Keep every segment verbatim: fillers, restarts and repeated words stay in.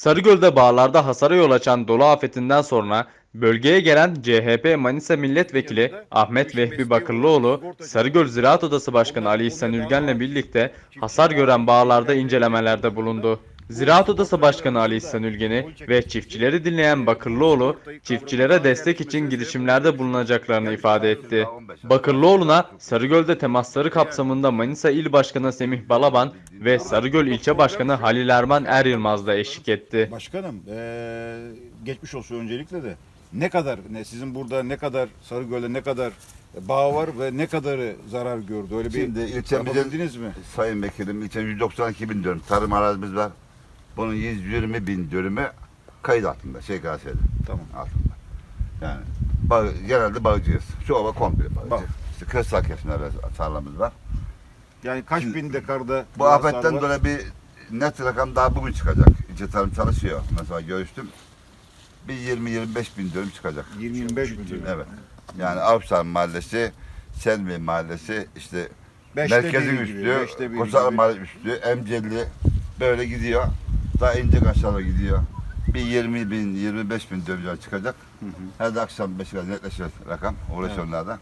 Sarıgöl'de bağlarda hasara yol açan dolu afetinden sonra bölgeye gelen C H P Manisa Milletvekili Ahmet Vehbi Bakırlıoğlu, Sarıgöl Ziraat Odası Başkanı Ali İhsan Ülgen'le birlikte hasar gören bağlarda incelemelerde bulundu. Ziraat Odası Başkanı Ali İhsan Ülgen'i ve çiftçileri dinleyen Bakırlıoğlu, çiftçilere destek için girişimlerde bulunacaklarını ifade etti. Bakırlıoğlu'na Sarıgöl'de temasları kapsamında Manisa İl Başkanı Semih Balaban ve Sarıgöl İlçe Başkanı Halil Erman Er Yılmaz da eşlik etti. Başkanım, ee, geçmiş olsun öncelikle de. Ne kadar, ne sizin burada ne kadar Sarıgöl'de ne kadar bağ var ve ne kadarı zarar gördü? Öyle bir Şimdi yapabildiniz ilçemizin mi? Sayın Vekilim, ilçemizde yüz doksan iki bin dönüm tarım arazimiz var. Bunun yüz yirmi bin dönümü kayıt altında, şey gazetede. Tamam. Altında. Yani bağ, genelde bağcıyız. Şu ova komple bağcı. Bağ. İşte kırsal kesimlerde tarlamız var. Yani kaç Şimdi, bin dekarda Bu hasar afetten var? dolayı bir net rakam daha bugün çıkacak. İlçe tarım çalışıyor. Mesela görüştüm. Bir yirmi yirmi beş bin dönüm çıkacak. yirmi yirmi beş bin dönüm. Evet. Yani Avşar Mahallesi, Selvi Mahallesi, işte Beşte merkezin biri gibi, üstü, beşte biri Koçar gibi. Mahallesi üstü, Emcelli böyle gidiyor. Daha ince aşağıya gidiyor. Bir yirmi bin, yirmi beş bin dönüm çıkacak. Hı hı. Her de akşam beş kadar netleşir rakam. Uğraşanlarda.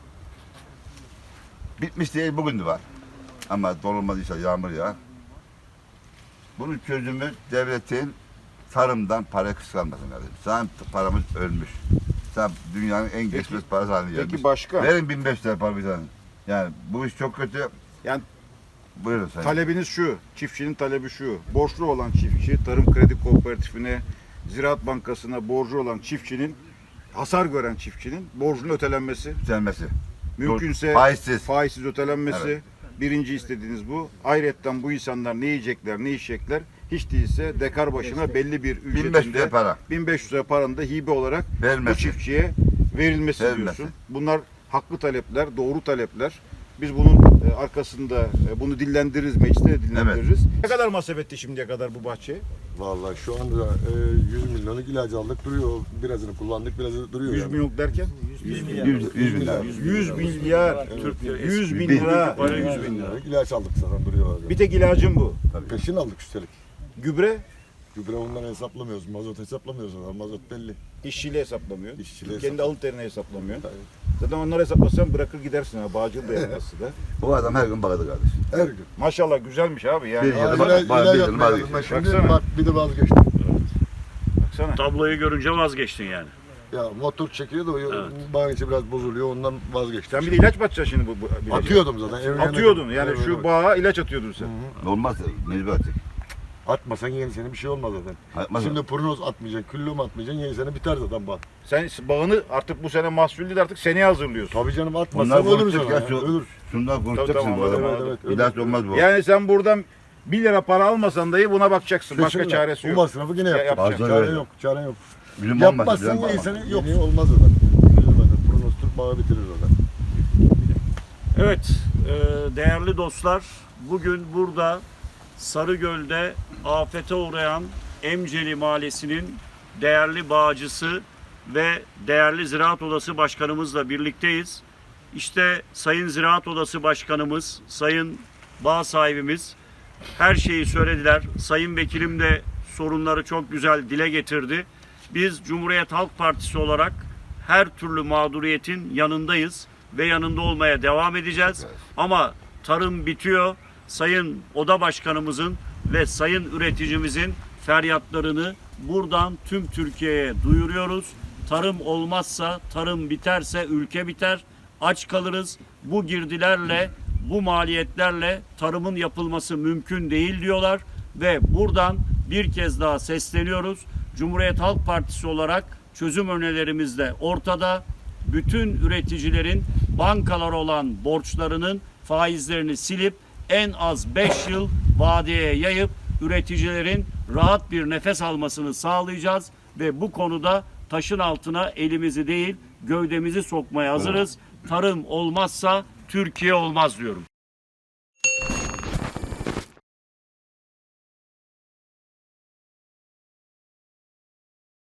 Bitmiş değil, bugün de var. Ama dolulmadıysa yağmur yağar. Bunun çözümü devletin tarımdan para kıskanmasın kardeşim. Sen paramız ölmüş. Sen dünyanın en geçmez parası haline gelmiş. Peki başkan, Verin bin beş yüz lira para bir tane. Yani bu iş çok kötü. yani Buyurun sayın. talebiniz şu, çiftçinin talebi şu. Borçlu olan çiftçi, Tarım Kredi Kooperatifine, Ziraat Bankası'na borcu olan çiftçinin, hasar gören çiftçinin borcunun ötelenmesi. Düzelmesi. Mümkünse Faizsiz. faizsiz ötelenmesi. Evet. Birinci istediğiniz bu. Ayrıca bu insanlar ne yiyecekler, ne içecekler? Hiç değilse dekar başına belli bir bin beş yüz ücretinde lira para. bin beş yüz lira paranın da hibe olarak bu Vermesi. çiftçiye verilmesi Verilmesi. diyorsun. Bunlar haklı talepler, doğru talepler. Biz bunun e, arkasında e, bunu dillendiririz, mecliste de dillendiririz. Ne kadar masraf etti şimdiye kadar bu bahçeye? Vallahi şu anda e, yüz milyonluk ilacı aldık duruyor. Birazını kullandık, birazını duruyor. yüz yani. milyon derken? yüz, yüz bin lira. yüz milyar. yüz bin Bin. lira. Para yüz bin liralık ilaç aldık zaten duruyor. orada. Bir tek ilacın bu. Peşin aldık üstelik. Gübre Gübre ondan hesaplamıyoruz, mazot hesaplamıyoruz. Onlar. Mazot belli. işçiyle hesaplamıyor. İşçiyle Kendi hesaplamıyor. alın terini hesaplamıyor. Tabii. Zaten onları hesaplasan bırakır gidersin ha. Bağcıl da yapması da. Bu adam her gün bağladı kardeşim. Her gün. Maşallah güzelmiş abi yani. Bir Aa, yıl- Aa, bak- ilaç, bak- ilaç bir yapmaya yıl- aldım ben şimdi. Baksana. Bak bir de vazgeçtim. Baksana. Tabloyu görünce vazgeçtin yani. Ya motor çekiyor da o bağın içi biraz bozuluyor ondan vazgeçtim. Sen bir de ilaç mı atacaksın şimdi bu, bu ilacı? Atıyordum zaten. evin Atıyordun yanına- yani Evet, şu evet. bağa ilaç atıyordun sen. Olmaz. Mecbur atacak. Atmasan yeni sene bir şey olmaz zaten. Atmaz. Şimdi prognoz atmayacaksın, küllüm atmayacaksın, yeni sene biter zaten bak. Sen bağını artık bu sene mahsullü de artık seneye hazırlıyorsun. Tabii canım Bunlar atmasan ölürüz konuşacak ona ya. ya, Şu, ölür. şundan konuşacaksın tamam, bu adama. evet, evet, evet. İlaç olmaz bu. Yani sen buradan bir lira para almasan dahi buna bakacaksın. Başka Kesinlikle. çaresi Bu yok. masrafı yine yapacak. yapacak. Çare Öyle. yok, çare yok. Bizim olmaz. Yapmazsan bizim yeni olmaz. sene yok. Yeni olmaz zaten. Üzülmeden. Prognoz Türk bağı bitirir zaten. Evet, e, değerli dostlar, bugün burada Sarıgöl'de afete uğrayan Emceli Mahallesi'nin değerli bağcısı ve değerli Ziraat Odası Başkanımızla birlikteyiz. İşte Sayın Ziraat Odası Başkanımız, Sayın bağ sahibimiz her şeyi söylediler. Sayın Vekilim de sorunları çok güzel dile getirdi. Biz Cumhuriyet Halk Partisi olarak her türlü mağduriyetin yanındayız ve yanında olmaya devam edeceğiz. Ama tarım bitiyor. Sayın Oda Başkanımızın ve Sayın üreticimizin feryatlarını buradan tüm Türkiye'ye duyuruyoruz. Tarım olmazsa, tarım biterse ülke biter. Aç kalırız. Bu girdilerle, bu maliyetlerle tarımın yapılması mümkün değil diyorlar ve buradan bir kez daha sesleniyoruz. Cumhuriyet Halk Partisi olarak çözüm önerilerimiz de ortada. Bütün üreticilerin bankalara olan borçlarının faizlerini silip en az beş yıl vadeye yayıp üreticilerin rahat bir nefes almasını sağlayacağız ve bu konuda taşın altına elimizi değil gövdemizi sokmaya hazırız. Tarım olmazsa Türkiye olmaz diyorum.